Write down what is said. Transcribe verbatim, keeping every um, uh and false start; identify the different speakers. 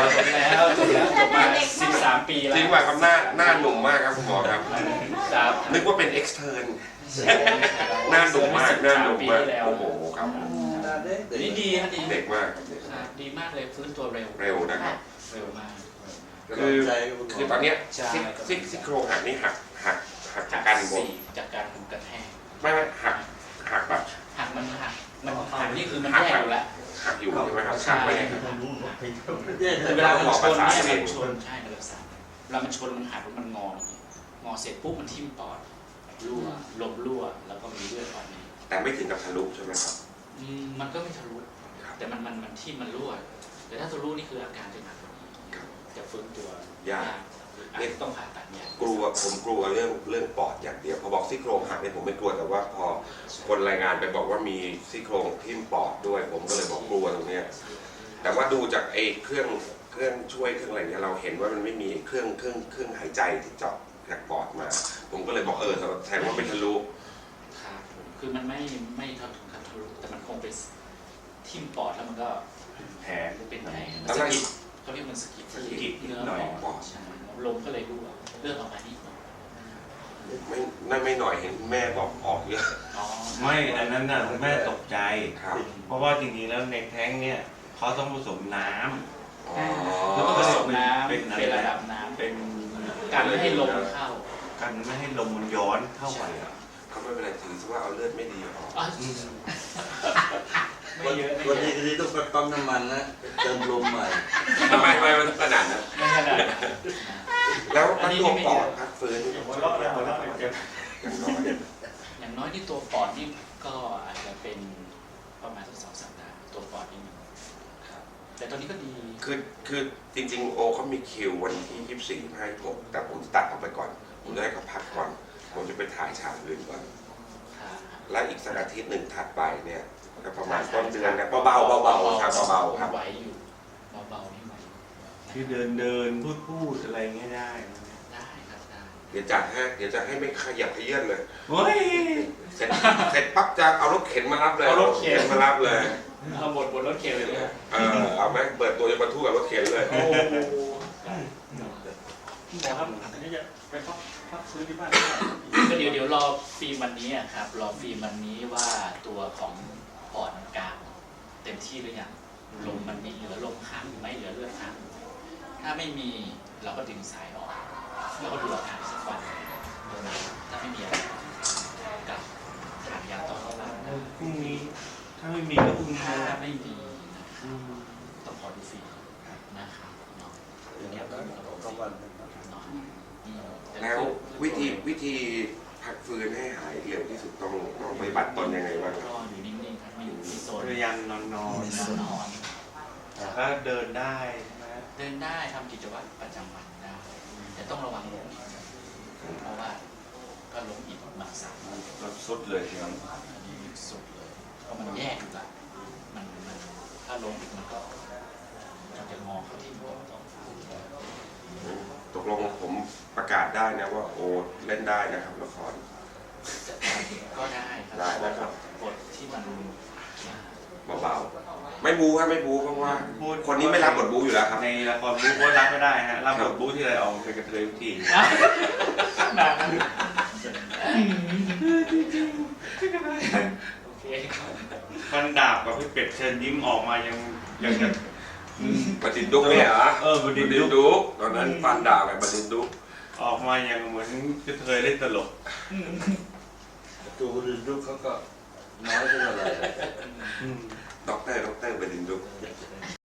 Speaker 1: จบแล้วจบแล้วจบมาสิบสามปีแล้ว
Speaker 2: จริงว่าครับหน้าหน้าหนุ่มมากครับคุณหมอครับ
Speaker 1: ครับ
Speaker 2: นึกว่าเป็น extern หน้าหนุ่มมากหน้าหนุ่มมากโอ้โหครับ
Speaker 1: นี่ดีครับดี
Speaker 2: เด็กมากเด็ก
Speaker 1: ครับดีมากเลยฟื้นตัวเร็ว
Speaker 2: เร็วนะครับ
Speaker 1: เร็วมาก
Speaker 2: คือคือตอนเนี้ยซี่ซี่ซี่โครงหักนี่หักหักหักจากการบวม
Speaker 1: จากการกระแทก
Speaker 2: ไม่ไม่หักหักแบบ
Speaker 1: หักมันหักมันหักนี่คือมันแย่อยู่แล้ว
Speaker 2: หักอยู่ใช่ไหมครับหักไปเนี่ยครับ
Speaker 1: เวลามันชนเนี่ยมันชนใช่ระดับสามเวลามันชนมันหักแล้วมันงองอเสร็จปุ๊บมันทิ่มปอดรั่วลมรั่วแล้วก็มีเลือดออกใน
Speaker 2: แต่ไม่ถึงกับทะลุใช่ไหมครับ
Speaker 1: อืมมันก็ไม่ทะลุแต่มันมันมันทิ่มมันรั่วแต่ถ้าทะลุนี่คืออาการจะหนักกว่านี้จะฟื้นตัวย
Speaker 2: าก
Speaker 1: อาจจะต้องผ่าตัดเนี่ย
Speaker 2: กลัวผมกลัวเรื่องเรื่องปอดอย่างเดียวพอบอกซี่โครงหักเนี่ยผมไม่กลัวแต่ว่าพอคนรายงานไปบอกว่ามีซี่โครงทิ่มปอดด้วย ผมก็เลยบอกกลัวตรงเนี้ยแต่ว่าดูจากไอ้เครื่องเครื่องช่วยเครื่องอะไรเนี่ยเราเห็นว่ามันไม่มีเครื่องเครื่องเครื่องหายใจที่เจาะจากปอดมา ผมก็เลยบอกเออแทนว่าเป็นทะลุ
Speaker 1: ครับคือมันไม่ไม่ทะลุทะลุแต่มันคงไปทิ่มปอดแล้วมันก็
Speaker 3: แผล
Speaker 1: เป็นแผลมันสะกิดเขาเรียกมันสะกิด
Speaker 3: สะกิด
Speaker 1: เนื้อ
Speaker 3: หน่อย
Speaker 1: ปอดใช่ลมก็เลยรั่วเลือดออกมานิดหน่อย
Speaker 2: ไม่นั่นไม่หน่อยเห็นแม่บอกออกเยอะ
Speaker 1: อ๋อ
Speaker 3: ไม่อันนั้นน่ะแม่ตกใจ
Speaker 2: ครับ
Speaker 3: เพราะว่าจริงๆแล้วในแท้งเนี่ยเขาต้องผสมน้ำ
Speaker 2: อ๋อ
Speaker 1: แล้วก็ผสมน้ำ
Speaker 3: เป็
Speaker 1: เป็น
Speaker 3: นอะไร
Speaker 1: ระดับน้ำ
Speaker 3: เป็น
Speaker 1: การไม่ให้ลมเข้า
Speaker 3: กันไม่ให้ลมมันย้อนเข้าไปอ่ะ
Speaker 2: เขาไม่เป็นไรถือว่าเอาเลือดไม่ดีออก
Speaker 1: อ๋อ
Speaker 3: อืม
Speaker 1: ไม่เยอะไม่
Speaker 4: วัน
Speaker 1: เย
Speaker 4: นี้
Speaker 1: อะ
Speaker 4: ทีนี้ต้องไปปั๊มน้ำมันนะเติมลมใหม่
Speaker 2: ทำไมทำไมมันขนาดนั้น
Speaker 1: ไม่ขนาดนั้น
Speaker 2: แล้วถ้าตัวปอดพักฟื้น
Speaker 3: หัวเราะเลยหัวเราะเลยเจ็บ
Speaker 2: อย่างน้อย
Speaker 1: อย่างน้อยที่ตัวปอดนี่ก็อาจจะเป็นประมาณสักสองสัปดาห์ตัวปอดนี่ครับแต่ตอนนี้ก็ดี
Speaker 2: คือคือจริงๆโอเขามีคิววันที่ยี่สิบสี่ให้ผมแต่ผมตัดออกไปก่อน ผมจะให้เขาพักก่อน ผมจะไปถ่ายฉากอื่นก่อน
Speaker 1: ครับ
Speaker 2: และอีกสักอาทิตย์หนึ่งถัดไปเนี่ยก็ประมาณต้นเดือนนะเบาๆเบาๆครับเบาๆครับ
Speaker 1: ไหวอยู่เบาๆนี่ไหว
Speaker 3: คือเดินเดินพูดพูดอะไรเงี้ยได้
Speaker 1: ได้ครับได้
Speaker 2: เดี๋ยวจะให้เดี๋ยวจะให้ไม่ขยับขยื่นเลย
Speaker 3: เฮ้ย
Speaker 2: เสร็จเสร็จปั๊บจะเอารถเข็นมารับเลยมารับเลย
Speaker 1: เอาบทบนรถเข็นเลยเนี่ย
Speaker 2: เออเอาไหมเปิดตัวจะบรรทุกกับรถเข็นเลย
Speaker 1: โอ้
Speaker 5: หมอครับอันนี้จะไปพักพักซื้อที่บ้าน
Speaker 1: ก็เดี๋ยวเดี๋ยวรอฟิล์มวันนี้อะครับรอฟิล์มวันนี้ว่าตัวของปอดมันกลางเต็มที่หรือยังลมมันมีเหลือลมข้างหรือไม่เหลือเลือดข้างถ้าไม่มีเราก็ดึงสายออกแล้วก็ดูอาการสักวันถ้าไม่มีอะไรกับทานยาต่อเข้ามา
Speaker 3: พรุ่งนี้ถ้าไม่มีก็พรุ่งนี้
Speaker 1: ถ้า
Speaker 3: นะ
Speaker 1: ไม่มี
Speaker 3: อืม
Speaker 1: ต้องขอดูฟิล์มนะครับเนาะ
Speaker 4: อย่างนี้ก็กลางวัน
Speaker 1: เนาะอืม
Speaker 2: แล้ววิธีวิธีพักฟื้นให้หายเร็วที่สุดต้องต้องปฏิบัติตนยังไงบ้างครับ
Speaker 1: ก็อยู่นิ่งๆครับไม่อยู่ที่โซน
Speaker 3: พยายามนอนนอน
Speaker 1: นอน
Speaker 3: แต่ถ้าเดินได้ใช่ไหม
Speaker 1: เดินได้ทำกิจวัตรประจำวันได้แต่ต้องระวังล้มอีกเพราะว่าก็ล้มอีกบางสาม
Speaker 3: ก็สุดเลยทีนั้น
Speaker 1: อันนี้สุดเลยเพราะมันแยกอยู่ละมันมันถ้าล้มอีกมันก็มันจะงอเข้าที่หัวต้อง
Speaker 2: ตกลงผมประกาศได้นะว่าโอเล่นได้นะครับละคร
Speaker 1: ก็ได้ค
Speaker 2: ได้
Speaker 1: รับ
Speaker 2: นะครับ
Speaker 1: บทที่มัน
Speaker 2: เบาๆไม่บูครับไม่บูเพราะว่าคนนี้ไม่รับบทบูอยู่แล้วครับ
Speaker 3: ในละครบู๊ก็รับไม่ได้ฮะรับบทบู๊ที่ไรเอาเป็นกระเทยทุกที
Speaker 1: หนักโอเค
Speaker 3: ฟันดาบกับพี่เป็ดเชิญยิ้มออกมายังยังจะ
Speaker 2: บดินดุกเนี่ยเหรอ
Speaker 3: เออบดินดุ๊ก
Speaker 2: ดุกตอนนั้นฟันดาบกับบดินดุก
Speaker 3: ออกมายังเหมือนกระเทยเล่นตลก
Speaker 4: ดูดูเขาก็น้อยเท่าไหร่
Speaker 3: อืม
Speaker 2: ด็อกเตอร์ด็อกเตอร์บดินดุก